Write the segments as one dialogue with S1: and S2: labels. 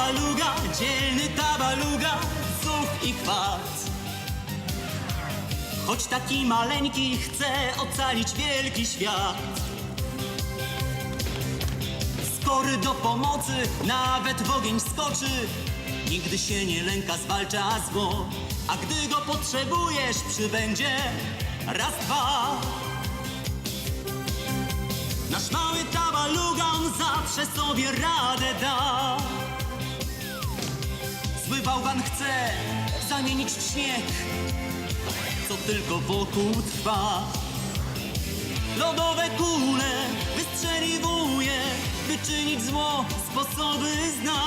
S1: tabaluga, dzielny tabaluga, zuch i chwat. Choć taki maleńki chce ocalić wielki świat. Skory do pomocy, nawet w ogień skoczy. Nigdy się nie lęka, zwalcza zło. A gdy go potrzebujesz, przybędzie raz, dwa. Nasz mały tabalugan zawsze sobie radę da. Zły bałwan chce zamienić w śnieg, co tylko wokół trwa. Lodowe kule wystrzeliwuje, by czynić zło, sposoby zna.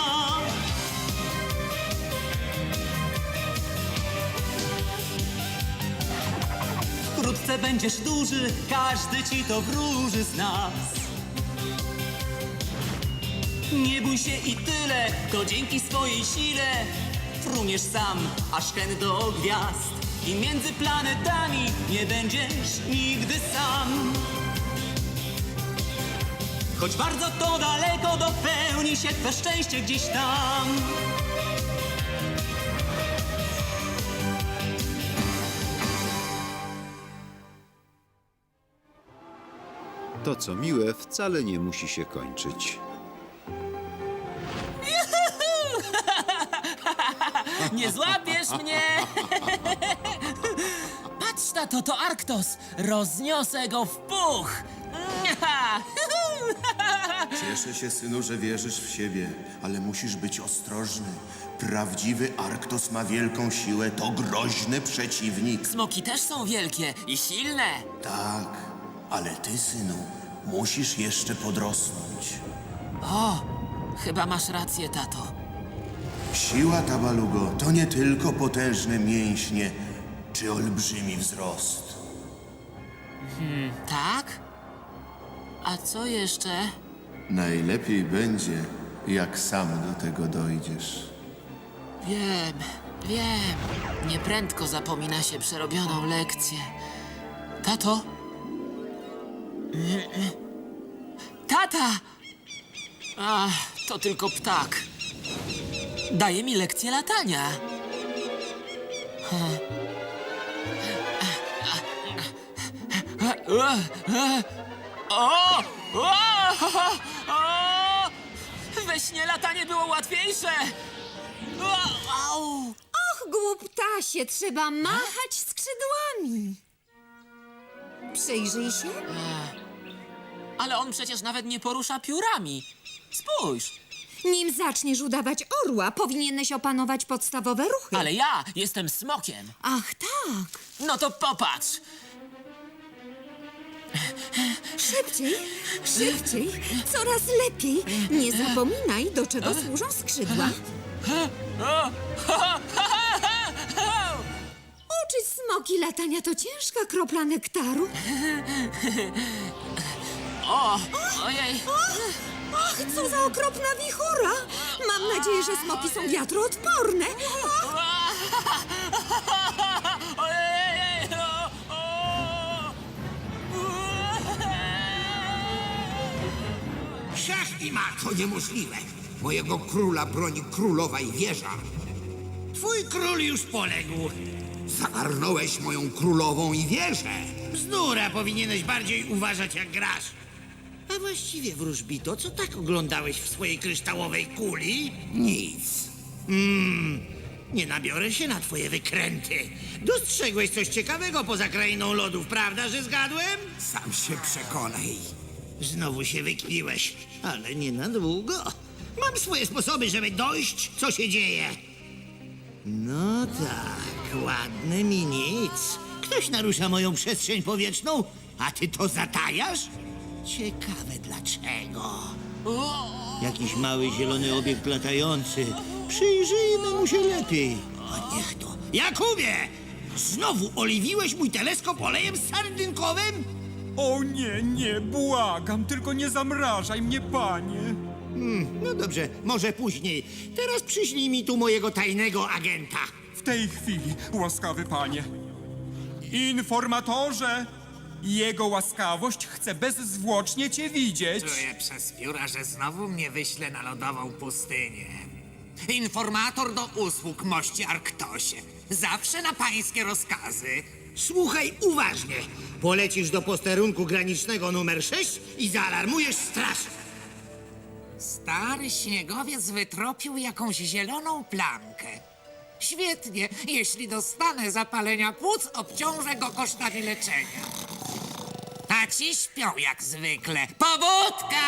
S1: Wkrótce będziesz duży, każdy ci to wróży z nas. Nie bój się i tyle, to dzięki swojej sile fruniesz sam, aż hen do gwiazd. I między planetami nie będziesz nigdy sam. Choć bardzo to daleko, dopełni się twe szczęście gdzieś tam.
S2: To, co miłe, wcale nie musi się kończyć.
S3: Nie złapiesz mnie! Patrz na to, to Arktos! Rozniosę go w puch!
S4: Cieszę się, synu, że wierzysz w siebie, ale musisz być ostrożny. Prawdziwy Arktos ma wielką siłę, to groźny przeciwnik.
S3: Smoki też są wielkie i silne!
S4: Tak, ale ty, synu, musisz jeszcze podrosnąć.
S3: Chyba masz rację, tato.
S4: Siła tabalugo to nie tylko potężne mięśnie czy olbrzymi wzrost.
S3: Tak? A co jeszcze?
S4: Najlepiej będzie, jak sam do tego dojdziesz.
S3: Wiem. Nieprędko zapomina się przerobioną lekcję. Tato? Tata! Ach, to tylko ptak. Daje mi lekcję latania. We śnie latanie było łatwiejsze. Au!
S5: Och, głuptasie, trzeba machać skrzydłami. Przyjrzyj się.
S3: Ale on przecież nawet nie porusza piórami. Spójrz.
S5: Nim zaczniesz udawać orła, powinieneś opanować podstawowe ruchy.
S3: Ale ja jestem smokiem.
S5: Ach, tak.
S3: No to popatrz.
S5: Szybciej, szybciej, coraz lepiej. Nie zapominaj, do czego służą skrzydła. Uczyć smoki latania to ciężka kropla nektaru.
S3: Ojej.
S5: Ach, co za okropna wichura. Mam nadzieję, że smoki są wiatroodporne.
S3: Ojej.
S6: Szach i mat, to niemożliwe. Mojego króla broni królowa i wieża.
S7: Twój król już poległ.
S6: Zagarnąłeś moją królową i wieżę.
S7: Bzdura, powinieneś bardziej uważać jak grasz. A właściwie, wróżbito, co tak oglądałeś w swojej kryształowej kuli?
S6: Nic.
S7: Nie nabiorę się na twoje wykręty. Dostrzegłeś coś ciekawego poza krainą lodów, prawda, że zgadłem?
S6: Sam się przekonaj.
S7: Znowu się wykpiłeś, ale nie na długo. Mam swoje sposoby, żeby dojść, co się dzieje. No tak, ładne mi nic. Ktoś narusza moją przestrzeń powietrzną, a ty to zatajasz? Ciekawe dlaczego. Jakiś mały zielony obiekt latający. Przyjrzyjmy mu się lepiej. A niech to. Jakubie! Znowu oliwiłeś mój teleskop olejem sardynkowym?
S8: O nie, błagam, tylko nie zamrażaj mnie, panie.
S7: No dobrze, może później. Teraz przyślij mi tu mojego tajnego agenta.
S8: W tej chwili, łaskawy panie. Informatorze, jego łaskawość chce bezzwłocznie cię widzieć.
S9: Czuję przez pióra, że znowu mnie wyśle na lodową pustynię. Informator do usług, mości Arktosie. Zawsze na pańskie rozkazy.
S7: Słuchaj uważnie. Polecisz do posterunku granicznego numer 6 i zaalarmujesz straż.
S9: Stary śniegowiec wytropił jakąś zieloną plamkę. Świetnie. Jeśli dostanę zapalenia płuc, obciążę go kosztami leczenia. A ci śpią jak zwykle. Pobudka!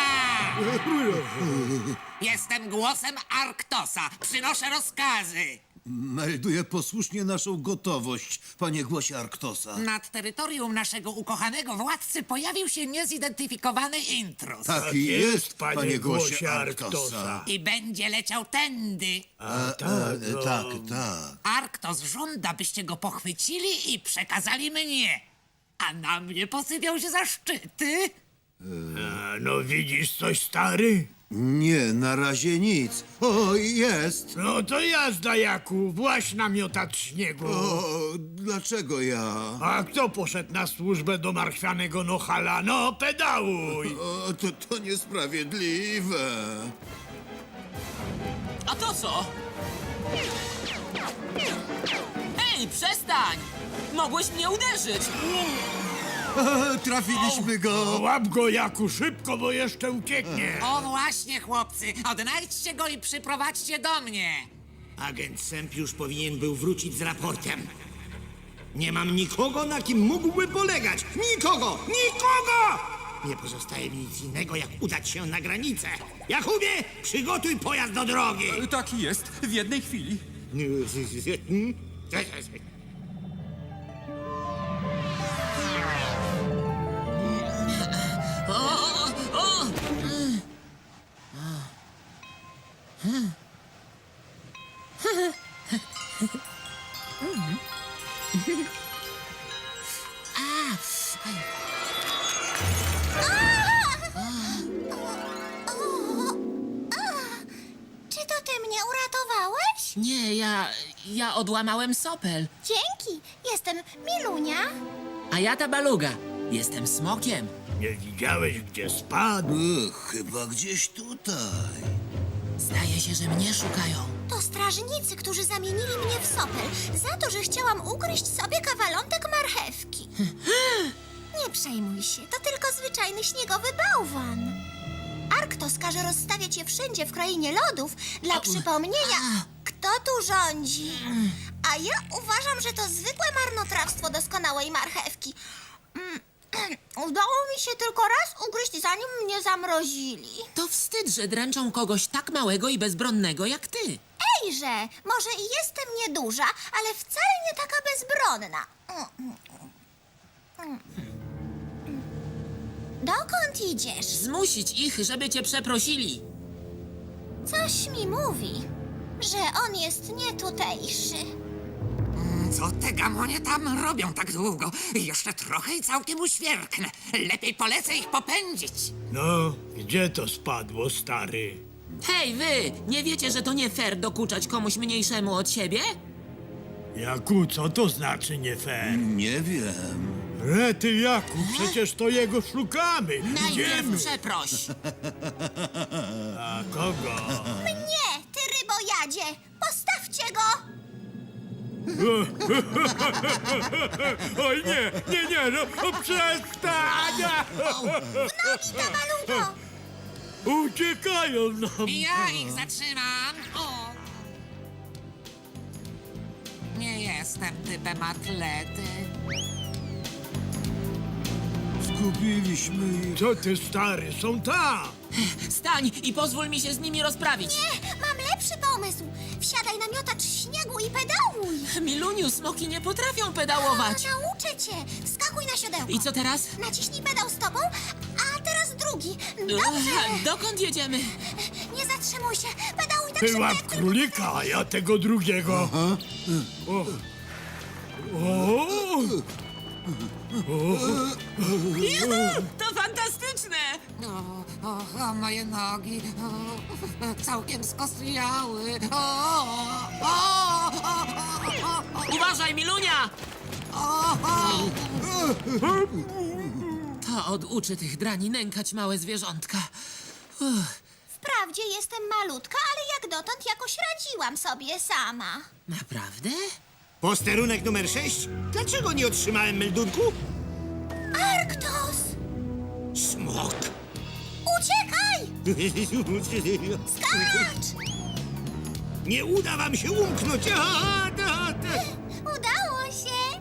S9: Jestem głosem Arktosa. Przynoszę rozkazy.
S10: Melduję posłusznie naszą gotowość, panie głosie Arktosa.
S9: Nad terytorium naszego ukochanego władcy pojawił się niezidentyfikowany intruz.
S10: Tak jest, panie głosie Arktosa.
S9: I będzie leciał tędy.
S10: Tak.
S9: Arktos żąda, byście go pochwycili i przekazali mnie. A na mnie posypiał się zaszczyty.
S6: No widzisz coś, stary?
S10: Nie, na razie nic. O, jest!
S6: No to jazda, Jaku, właź na miotacz śniegu.
S10: O, dlaczego ja?
S6: A kto poszedł na służbę do marchwianego Nohala? No, pedałuj!
S10: O, to niesprawiedliwe.
S3: A to co? Ej, przestań! Mogłeś mnie uderzyć!
S10: Trafiliśmy go!
S6: Łap go, Jaku, szybko, bo jeszcze ucieknie.
S9: O właśnie, chłopcy, odnajdźcie go i przyprowadźcie do mnie.
S7: Agent Semp już powinien był wrócić z raportem. Nie mam nikogo, na kim mógłby polegać. Nikogo! Nikogo! Nie pozostaje mi nic innego, jak udać się na granicę. Jakubie, przygotuj pojazd do drogi.
S8: Tak jest, w jednej chwili.
S5: Czy to ty mnie uratowałeś?
S3: Nie, ja odłamałem sopel.
S5: Dzięki. Jestem Milunia.
S3: A ja ta baluga. Jestem smokiem.
S6: Nie widziałeś, gdzie spadł?
S10: Chyba gdzieś tutaj.
S3: Zdaje się, że mnie szukają.
S5: To strażnicy, którzy zamienili mnie w sopel za to, że chciałam ugryźć sobie kawalątek marchewki. Nie przejmuj się, to tylko zwyczajny śniegowy bałwan. Arktos każe rozstawiać je wszędzie w krainie lodów dla przypomnienia, kto tu rządzi. A ja uważam, że to zwykłe marnotrawstwo doskonałej marchewki. Udało mi się tylko raz ugryźć, zanim mnie zamrozili.
S3: To wstyd, że dręczą kogoś tak małego i bezbronnego jak ty.
S5: Ejże, może i jestem nieduża, ale wcale nie taka bezbronna. Dokąd idziesz?
S3: Zmusić ich, żeby cię przeprosili.
S5: Coś mi mówi, że on jest nietutejszy.
S9: Co te gamonie tam robią tak długo? Jeszcze trochę i całkiem uświerknę. Lepiej polecę ich popędzić.
S6: No, gdzie to spadło, stary?
S3: Hej, wy! Nie wiecie, że to nie fair dokuczać komuś mniejszemu od siebie?
S6: Jaku, co to znaczy nie fair?
S10: Nie wiem.
S6: Rety, Jaku, przecież to jego szukamy.
S3: Najpierw przeproś.
S6: A kogo?
S5: Nie, ty rybojadzie! Postawcie go!
S6: Oj, nie, no przestań!
S5: Nogi, Tabalugo!
S6: Uciekają nam!
S9: Ja ich zatrzymam. O. Nie jestem typem atlety.
S10: Zgubiliśmy ich.
S6: Co ty, stary, są tam!
S3: Stań i pozwól mi się z nimi rozprawić.
S5: Nie, mam lepszy pomysł. Wsiadaj na miotacz śniegu i pedałuj.
S3: Miluniu, smoki nie potrafią pedałować.
S5: Nauczę cię. Wskakuj na siodełko.
S3: I co teraz?
S5: Naciśnij pedał stopą, a teraz drugi. Dobrze.
S3: Dokąd jedziemy?
S5: Nie zatrzymuj się. Pedałuj tak
S6: Ty
S5: szybko,
S6: łap
S5: jak tylko
S6: królika, a ja tego drugiego. O.
S3: To fantastyczne!
S9: O, moje nogi. Całkiem skostniały.
S3: Uważaj, Milunia! To oduczy tych drani nękać małe zwierzątka.
S5: Wprawdzie jestem malutka, ale jak dotąd jakoś radziłam sobie sama.
S3: Naprawdę?
S7: Posterunek numer 6? Dlaczego nie otrzymałem meldunku?
S5: Arktos!
S7: Smok!
S5: Uciekaj! Skacz!
S7: Nie uda wam się umknąć!
S5: Udało się!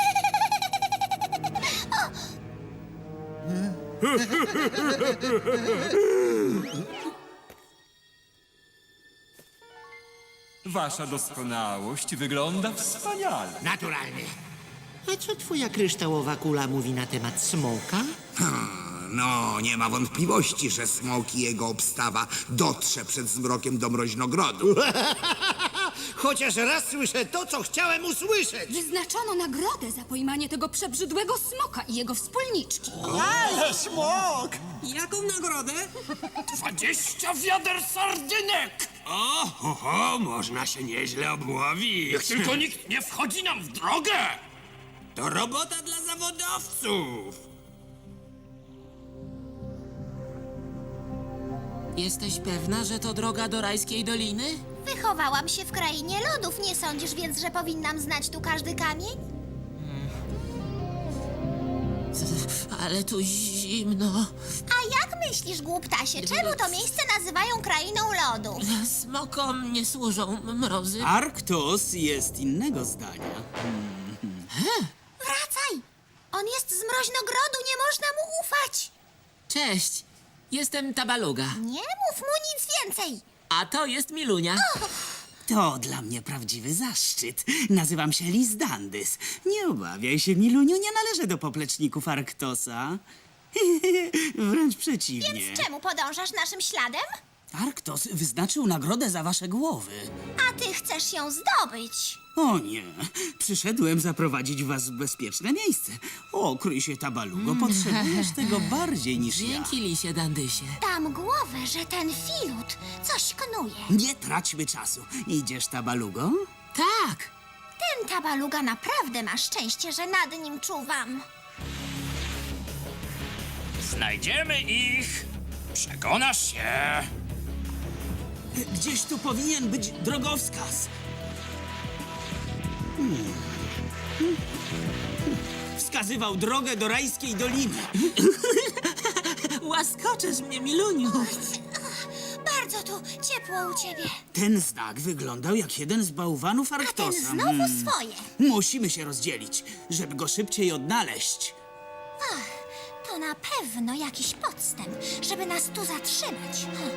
S8: Wasza doskonałość wygląda wspaniale.
S7: Naturalnie.
S11: A co twoja kryształowa kula mówi na temat smoka?
S6: No, nie ma wątpliwości, że smok i jego obstawa dotrze przed zmrokiem do mroźnogrodu.
S7: Chociaż raz słyszę to, co chciałem usłyszeć!
S12: Wyznaczono nagrodę za pojmanie tego przebrzydłego smoka i jego wspólniczki.
S9: Jaką nagrodę?
S8: 20 wiader sardynek!
S10: Oho, można się nieźle obłowić.
S8: Niech tylko nikt nie wchodzi nam w drogę!
S10: To robota dla zawodowców.
S3: Jesteś pewna, że to droga do rajskiej doliny?
S5: Wychowałam się w krainie lodów, nie sądzisz więc, że powinnam znać tu każdy kamień?
S3: Ale tu zimno.
S5: A jak myślisz, głuptasie, czemu to miejsce nazywają krainą lodów?
S3: Smokom nie służą mrozy.
S11: Arktos jest innego zdania.
S5: Wracaj! On jest z mroźnogrodu, nie można mu ufać!
S3: Cześć, jestem Tabaluga.
S5: Nie mów mu nic więcej!
S3: A to jest Milunia.
S11: To dla mnie prawdziwy zaszczyt. Nazywam się Lizdandys. Nie obawiaj się, Miluniu, nie należę do popleczników Arktosa. Wręcz przeciwnie.
S5: Więc czemu podążasz naszym śladem?
S11: Arktos wyznaczył nagrodę za wasze głowy.
S5: A ty chcesz ją zdobyć.
S11: O nie, przyszedłem zaprowadzić was w bezpieczne miejsce. O, kryj się, Tabalugo, potrzebujesz tego bardziej niż ja.
S3: Dzięki, Lisie Dandysie.
S5: Dam głowę, że ten filut coś knuje.
S11: Nie traćmy czasu. Idziesz, Tabalugo?
S3: Tak,
S5: Ten tabaluga naprawdę ma szczęście, że nad nim czuwam.
S8: Znajdziemy ich! Przekonasz się!
S11: Gdzieś tu powinien być drogowskaz. Wskazywał drogę do rajskiej doliny.
S3: łaskoczesz mnie, Miluniu.
S5: Bardzo tu ciepło u ciebie.
S11: Ten znak wyglądał jak jeden z bałwanów
S5: A ten
S11: Arktosa.
S5: znowu swoje.
S11: Musimy się rozdzielić, żeby go szybciej odnaleźć.
S5: To na pewno jakiś podstęp, żeby nas tu zatrzymać.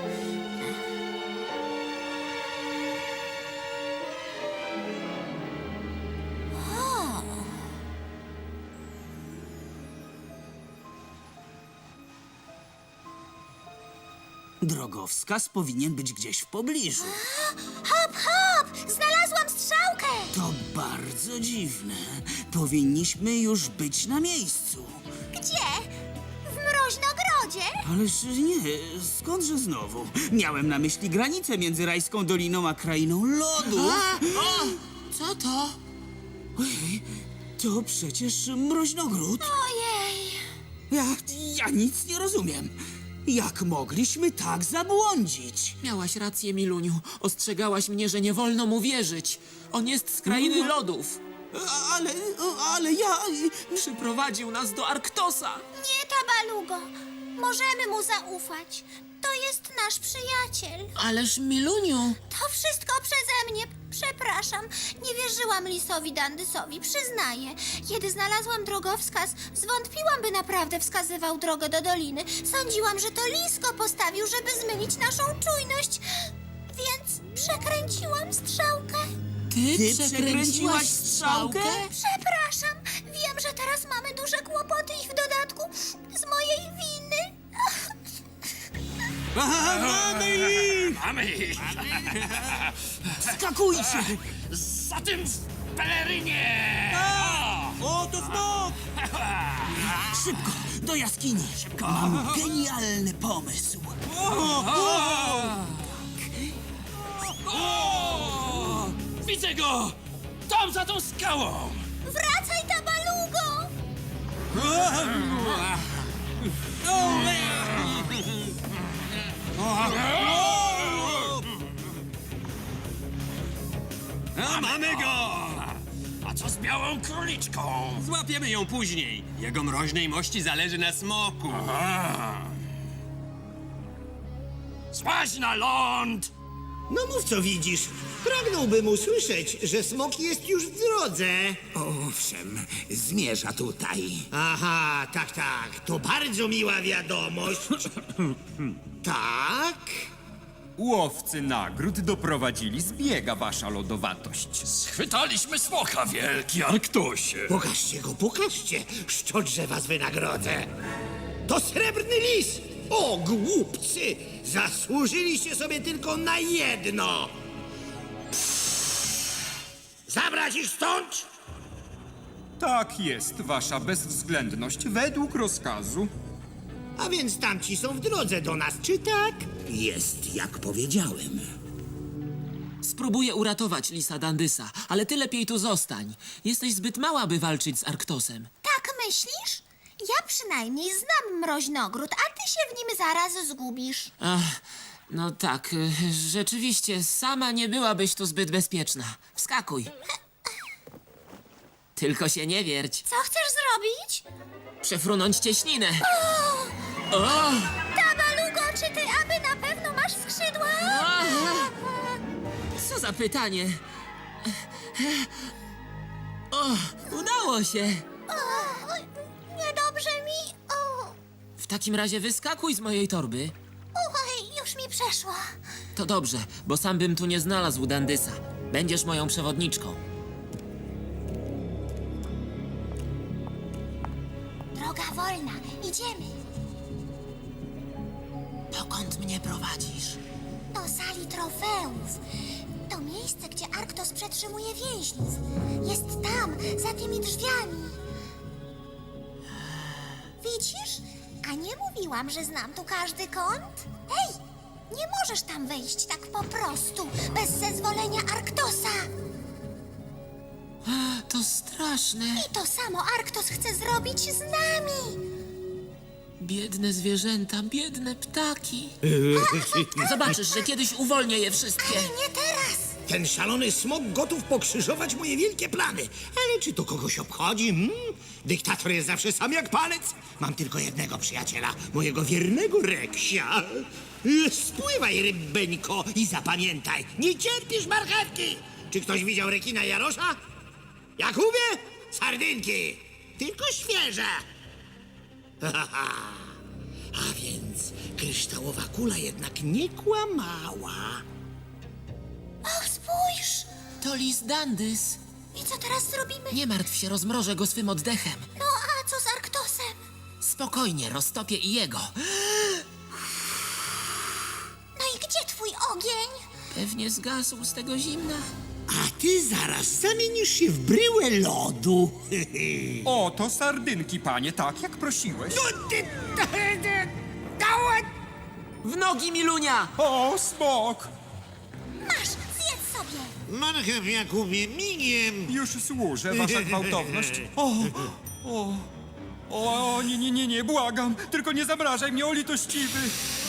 S11: Drogowskaz powinien być gdzieś w pobliżu.
S5: Hop, hop! Znalazłam strzałkę!
S11: To bardzo dziwne. Powinniśmy już być na miejscu.
S5: Gdzie? W mroźnogrodzie?
S11: Ależ nie, skądże znowu? Miałem na myśli granicę między rajską doliną a krainą lodu.
S3: Co to?
S11: Ojej, to przecież mroźnogród.
S5: Ojej!
S11: Ja nic nie rozumiem. Jak mogliśmy tak zabłądzić?
S3: Miałaś rację, Miluniu. Ostrzegałaś mnie, że nie wolno mu wierzyć. On jest z krainy lodów.
S11: Ale ja...
S3: Przyprowadził nas do Arktosa.
S5: Nie, Tabalugo. Możemy mu zaufać. To jest nasz przyjaciel.
S3: Ależ, Miluniu.
S5: To wszystko przeze mnie. Przepraszam. Nie wierzyłam lisowi Dandysowi, przyznaję. Kiedy znalazłam drogowskaz, zwątpiłam, by naprawdę wskazywał drogę do doliny. Sądziłam, że to lis go postawił, żeby zmylić naszą czujność. Więc przekręciłam strzałkę.
S3: Ty przekręciłaś strzałkę?
S5: Przepraszam. Wiem, że teraz mamy duże kłopoty i w dodatku z mojej winy.
S8: Mamy ich!
S11: Skakujcie!
S8: Za tym w pelerynie!
S11: O, to smok! Szybko, do jaskini! Mam genialny pomysł.
S8: Widzę go! Tam za tą skałą!
S5: Wracaj, Tabalugo!
S8: O!
S13: Mamy go! A co z białą króliczką? Złapiemy ją później. Jego mroźnej mości zależy na smoku. Złaź na ląd!
S7: No mów, co widzisz. Pragnąłbym usłyszeć, że smok jest już w drodze.
S6: Owszem, zmierza tutaj.
S7: Aha, tak. To bardzo miła wiadomość. Tak?
S8: Łowcy nagród doprowadzili zbiega, wasza lodowatość.
S13: Schwytaliśmy smoka, wielki Arktosie.
S7: Pokażcie. Szczodrze was wynagrodzę. To srebrny lis! O, głupcy! Zasłużyliście sobie tylko na jedno! Zabrać ich stąd?
S8: Tak jest, wasza bezwzględność, według rozkazu.
S7: A więc tamci są w drodze do nas, czy tak?
S6: Jest, jak powiedziałem.
S3: Spróbuję uratować Lisa Dandysa, ale ty lepiej tu zostań. Jesteś zbyt mała, by walczyć z Arktosem.
S5: Tak myślisz? Ja przynajmniej znam mroźnogród, a ty się w nim zaraz zgubisz.
S3: Ach, no tak, rzeczywiście, sama nie byłabyś tu zbyt bezpieczna. Wskakuj. Tylko się nie wierć.
S5: Co chcesz zrobić?
S3: Przefrunąć cieśninę. O!
S5: Tabalugo, czy ty aby na pewno masz skrzydła?
S3: Co za pytanie? O, udało się.
S5: Niedobrze mi.
S3: W takim razie wyskakuj z mojej torby.
S5: Już mi przeszło.
S3: To dobrze, bo sam bym tu nie znalazł Dandysa. Będziesz moją przewodniczką.
S5: Droga wolna, idziemy.
S3: Dokąd mnie prowadzisz?
S5: Do sali trofeów. To miejsce, gdzie Arktos przetrzymuje więźniów. Jest tam, za tymi drzwiami. Widzisz? A nie mówiłam, że znam tu każdy kąt? Hej, nie możesz tam wejść tak po prostu, bez zezwolenia Arktosa.
S3: To straszne.
S5: I to samo Arktos chce zrobić z nami.
S3: Biedne zwierzęta, biedne ptaki. Zobaczysz, że kiedyś uwolnię je wszystkie.
S5: Ale nie teraz.
S7: Ten szalony smok gotów pokrzyżować moje wielkie plany. Ale czy to kogoś obchodzi? Dyktator jest zawsze sam jak palec. Mam tylko jednego przyjaciela, mojego wiernego Reksia. Spływaj, rybeńko, i zapamiętaj, nie cierpisz marchewki. Czy ktoś widział rekina Jarosza? Jakubie? Sardynki. Tylko świeże. A więc kryształowa kula jednak nie kłamała.
S5: Och, spójrz.
S3: To Lis Dandys.
S5: I co teraz zrobimy?
S3: Nie martw się, rozmrożę go swym oddechem.
S5: No a co z Arktosem?
S3: Spokojnie, roztopię i jego.
S5: No i gdzie twój ogień?
S3: Pewnie zgasł z tego zimna.
S7: A ty zaraz zamienisz się w bryłę lodu.
S8: Oto sardynki, panie, tak jak prosiłeś.
S3: W nogi, Milunia!
S8: O, smok!
S5: Masz, zjedz sobie.
S7: Marchew, Jakubie, migiem.
S8: Już służę, wasza gwałtowność. O, nie, błagam. Tylko nie zamrażaj mnie, o litościwy.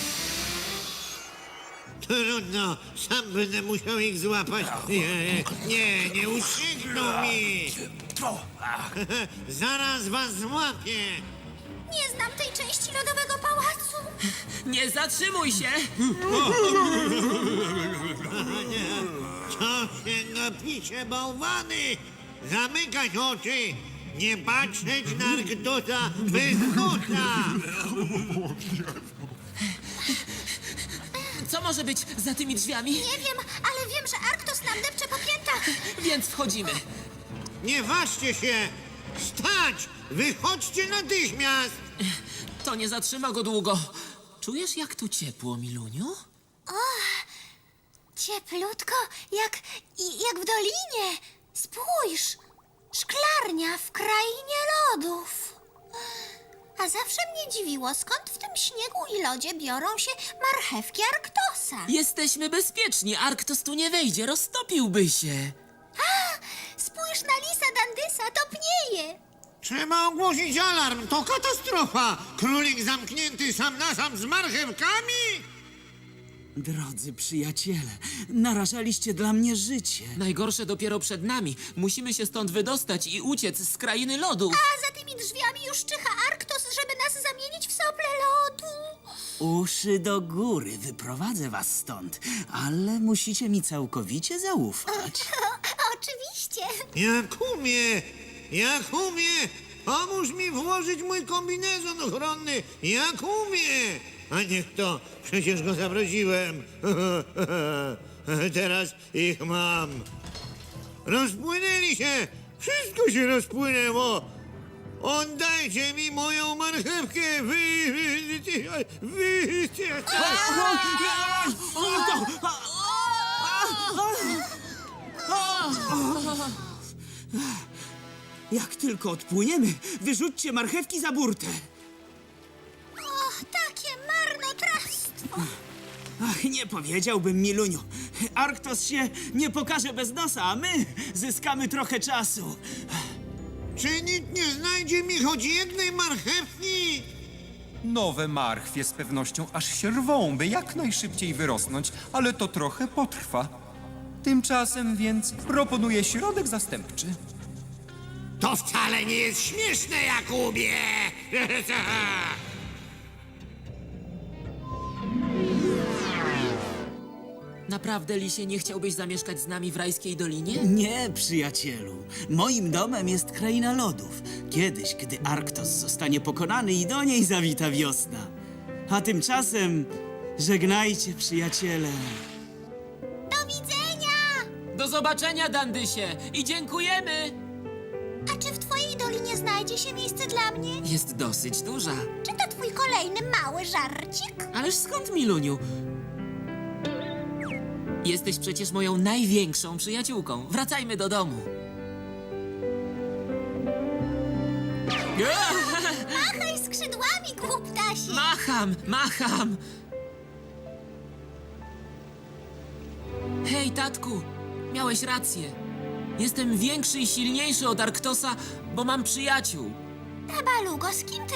S7: Trudno, sam będę musiał ich złapać. Nie uciekną mi. Zaraz was złapię.
S5: Nie znam tej części lodowego pałacu.
S3: Nie zatrzymuj się!
S7: Co się gapicie, bałwany? Zamykać oczy. Nie patrzeć na Arktosa bez kota.
S3: Co może być za tymi drzwiami?
S5: Nie wiem, ale wiem, że Arktos nam depcze po piętach.
S3: Więc wchodzimy.
S7: Nie ważcie się. Stać! Wychodźcie natychmiast.
S3: To nie zatrzyma go długo. Czujesz, jak tu ciepło, Miluniu?
S5: Cieplutko, jak w dolinie. Spójrz, szklarnia w krainie lodów. A zawsze mnie dziwiło, skąd w tym śniegu i lodzie biorą się marchewki Arktosa.
S3: Jesteśmy bezpieczni. Arktos tu nie wejdzie, roztopiłby się.
S5: Spójrz na Lisa Dandysa, topnieje.
S7: Trzeba ogłosić alarm. To katastrofa. Królik zamknięty sam na sam z marchewkami?
S11: Drodzy przyjaciele, narażaliście dla mnie życie.
S3: Najgorsze dopiero przed nami. Musimy się stąd wydostać i uciec z krainy lodu.
S5: A za tymi drzwiami już czyha Arktos, żeby nas zamienić w sople lodu.
S11: Uszy do góry, wyprowadzę was stąd, ale musicie mi całkowicie zaufać.
S5: Oczywiście.
S7: Jakubie, pomóż mi włożyć mój kombinezon ochronny. Jakubie! A niech to, przecież go zaprosiłem. Teraz ich mam. Rozpłynęli się! Wszystko się rozpłynęło! Oddajcie mi moją marchewkę!
S11: Jak tylko odpłyniemy, wyrzućcie marchewki za burtę.
S5: Och, takie marnotrawstwo.
S11: Ach, nie powiedziałbym, Miluniu. Arktos się nie pokaże bez nosa, a my zyskamy trochę czasu.
S7: Czy nikt nie znajdzie mi choć jednej marchewki?
S8: Nowe marchwie z pewnością aż się rwą, by jak najszybciej wyrosnąć, ale to trochę potrwa. Tymczasem więc proponuję środek zastępczy.
S7: To wcale nie jest śmieszne, Jakubie!
S3: Naprawdę, Lisie, nie chciałbyś zamieszkać z nami w rajskiej dolinie?
S11: Nie, przyjacielu. Moim domem jest kraina lodów. Kiedyś, gdy Arktos zostanie pokonany i do niej zawita wiosna. A tymczasem żegnajcie, przyjaciele.
S5: Do widzenia!
S3: Do zobaczenia, Dandysie! I dziękujemy!
S5: A czy w twojej dolinie znajdzie się miejsce dla mnie?
S3: Jest dosyć duża.
S5: Czy to twój kolejny mały żarcik?
S3: Ależ skąd, Miluniu? Jesteś przecież moją największą przyjaciółką. Wracajmy do domu.
S5: Machaj skrzydłami, głuptasie!
S3: Macham! Hej, tatku, miałeś rację. Jestem większy i silniejszy od Arktosa, bo mam przyjaciół.
S5: Tabalugo, z kim ty